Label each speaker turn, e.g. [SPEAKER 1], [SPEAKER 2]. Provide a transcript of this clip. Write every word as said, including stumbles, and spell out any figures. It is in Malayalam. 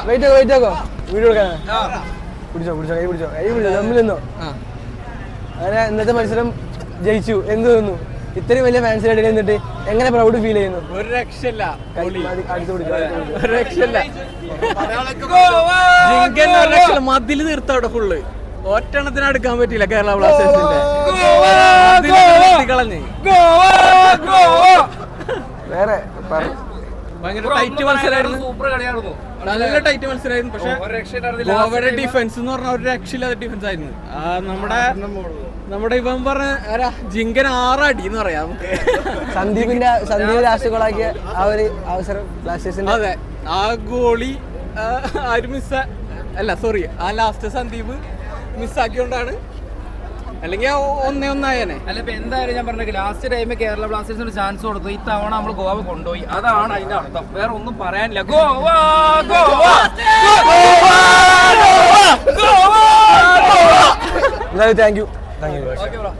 [SPEAKER 1] വെയിറ്റ് ആക്കോ വെയിറ്റ് ആക്കോ വീഡിയോ എടുക്കാൻ പിടിച്ചോ പിടിച്ചോ കൈ പിടിച്ചോ കൈ പിടിച്ചോ തമ്മിൽ നിന്നോ. അങ്ങനെ ഇന്നത്തെ മത്സരം ജയിച്ചു. എന്ത് തോന്നുന്നു? ഇത്രയും വലിയ ഫാൻസിനായിട്ട് നിന്നിട്ട് എങ്ങനെ പ്രൗഡ് ഫീൽ ചെയ്യുന്നു?
[SPEAKER 2] ഒരു രക്ഷയില്ല,
[SPEAKER 1] ഒരു
[SPEAKER 2] രക്ഷയില്ല. മതില് തീർത്തോടെ ഫുള്ള് ഒറ്റെണ്ണത്തിന് അടുക്കാൻ പറ്റില്ല കേരള ബ്ലാസ്റ്റേഴ്സിന്റെ. കളഞ്ഞ് വേറെ ഭയങ്കര ടൈറ്റ് മത്സരമായിരുന്നു, നല്ല ടൈറ്റ് മത്സരമായിരുന്നു. പക്ഷെ ഗോവയുടെ ഡിഫൻസ് എന്ന് പറഞ്ഞ ഒരു രക്ഷയില്ലാത്ത ഡിഫൻസ് ആയിരുന്നു. നമ്മുടെ നമ്മുടെ ഇവൻ പറഞ്ഞ ആരാ ജിങ്കൻ ആറടി എന്ന് പറയാം നമുക്ക്.
[SPEAKER 1] സന്ദീപിന്റെ സന്ദീപ് ലാസ്റ്റ് ഗോളാക്കിയ ആ ഒരു അവസരം ബ്ലാസ്റ്റേഴ്സിന്റെ.
[SPEAKER 2] അതെ, ആ ഗോളി ആരും മിസ് അല്ല സോറി ആ ലാസ്റ്റ് സന്ദീപ് മിസ്സാക്കിയോണ്ടാണ്, അല്ലെങ്കിൽ ഒന്നേ ഒന്നായനെ.
[SPEAKER 3] അല്ല ഇപ്പൊ എന്തായാലും ഞാൻ പറഞ്ഞ ലാസ്റ്റ് ടൈം കേരള ബ്ലാസ്റ്റേഴ്സിന് ചാൻസ് കൊടുത്തു. ഇത്തവണ നമ്മൾ ഗോവ കൊണ്ടുപോയി, അതാണ് അതിന്റെ അർത്ഥം. വേറെ ഒന്നും പറയാനില്ല. ഗോവ ഗോവ
[SPEAKER 1] എന്തായാലും താങ്ക് യു താങ്ക് യു.